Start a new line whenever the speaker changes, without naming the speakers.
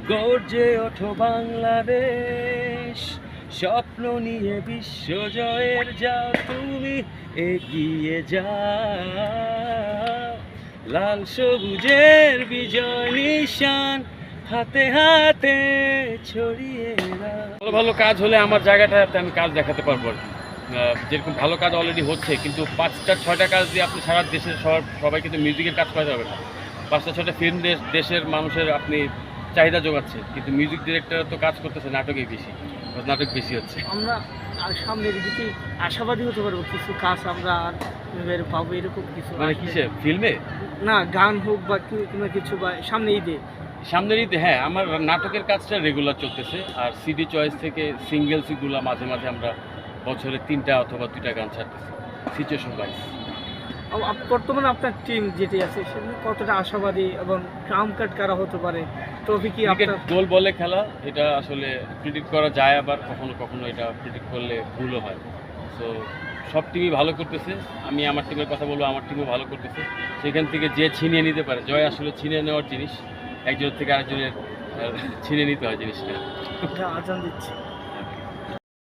গর্জে ওঠো বাংলাদেশ, স্বপ্ন নিয়ে বিশ্বজয়ের যাও তুমি এগিয়ে যাও। লাল সবুজের বিজয় নিশান হাতে হাতে ছড়িয়ে দাও। ভালো ভালো কাজ হলে আমার জায়গাটাতে আমি কাজ দেখাতে পারবো আর কি। যেরকম ভালো কাজ অলরেডি হচ্ছে, কিন্তু 5টা-6টা কাজ দিয়ে আপনি সারা দেশের সবাই কিন্তু মিউজিকের কাজ করাতে হবে না। 5টা-6টা ফিল্ম দেশের মানুষের আপনি চাহিদা যোগাচ্ছে, কিন্তু মিউজিক ডিরেক্টর তো কাজ করতেছে নাটকেই বেশি, নাটক বেশি হচ্ছে।
আমরা সামনের দিকে আশাবাদী হতে পারবো কিছু কাজ আমরা আর পাবো এরকম কিছু?
মানে কিসে, ফিল্মে
না, গান হোক বা কিংবা কিছু, বা সামনে ঈদে?
সামনের ঈদে হ্যাঁ, আমার নাটকের কাজটা রেগুলার চলতেছে। আর সিডি চয়েস থেকে সিঙ্গেলসগুলো মাঝে মাঝে আমরা বছরে 3টা অথবা 2টা গান ছাড়তেছি, সিচুয়েশন ওয়াইজ।
বর্তমানে আপনার টিম যেটি আছে সেটা কতটা আশাবাদী এবং ট্রাম্প কার্ড কারা হতে পারে? ট্রফি কি
ক্রিকেট
আপনার?
গোল বলে খেলা, এটা আসলে প্রেডিক্ট করা যায়, আবার কখনো কখনো এটা প্রেডিক্ট করলে ভুলও হয়। সো সব টিমই ভালো করতেছে, আমি আমার টিমের কথা বলবো, আমার টিমও ভালো করতেছে। সেখান থেকে যে ছিনিয়ে নিতে পারে, জয় আসলে ছিনিয়ে নেওয়ার জিনিস, একজনের থেকে আরেকজনের ছিনিয়ে নিতে হয় জিনিসটা।
আজান দিচ্ছে।